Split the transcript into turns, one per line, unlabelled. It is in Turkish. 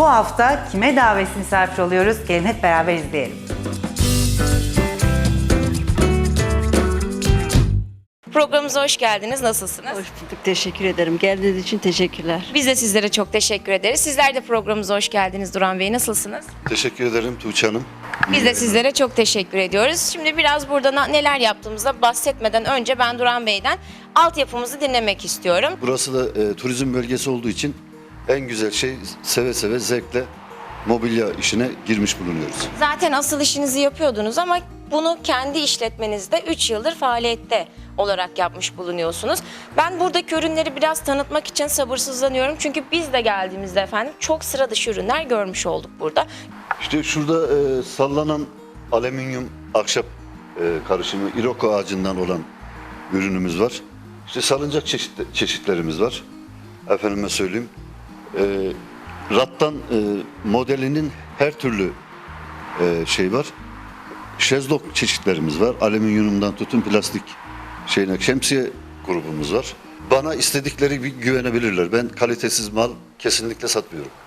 Bu hafta kime davetsiz misafir oluyoruz? Gelin hep beraber izleyelim.
Programımıza hoş geldiniz. Nasılsınız?
Hoş bulduk. Teşekkür ederim. Geldiğiniz için teşekkürler.
Biz de sizlere çok teşekkür ederiz. Sizler de programımıza hoş geldiniz Duran Bey. Nasılsınız?
Teşekkür ederim Tuğçe Hanım.
Biz de sizlere çok teşekkür ediyoruz. Şimdi biraz burada neler yaptığımızda bahsetmeden önce ben Duran Bey'den altyapımızı dinlemek istiyorum.
Burası da turizm bölgesi olduğu için en güzel şey seve seve zevkle mobilya işine girmiş bulunuyoruz.
Zaten asıl işinizi yapıyordunuz ama bunu kendi işletmenizde 3 yıldır faaliyette olarak yapmış bulunuyorsunuz. Ben buradaki ürünleri biraz tanıtmak için sabırsızlanıyorum. Çünkü biz de geldiğimizde efendim çok sıra dışı ürünler görmüş olduk burada.
İşte şurada sallanan alüminyum ahşap karışımı iroko ağacından olan ürünümüz var. İşte salıncak çeşitlerimiz var. Efendime söyleyeyim. Rattan modelinin her türlü şey var. Şezlong çeşitlerimiz var. Alüminyumdan tutun plastik şemsiye grubumuz var. Bana istedikleri bir güvenebilirler. Ben kalitesiz mal kesinlikle satmıyorum.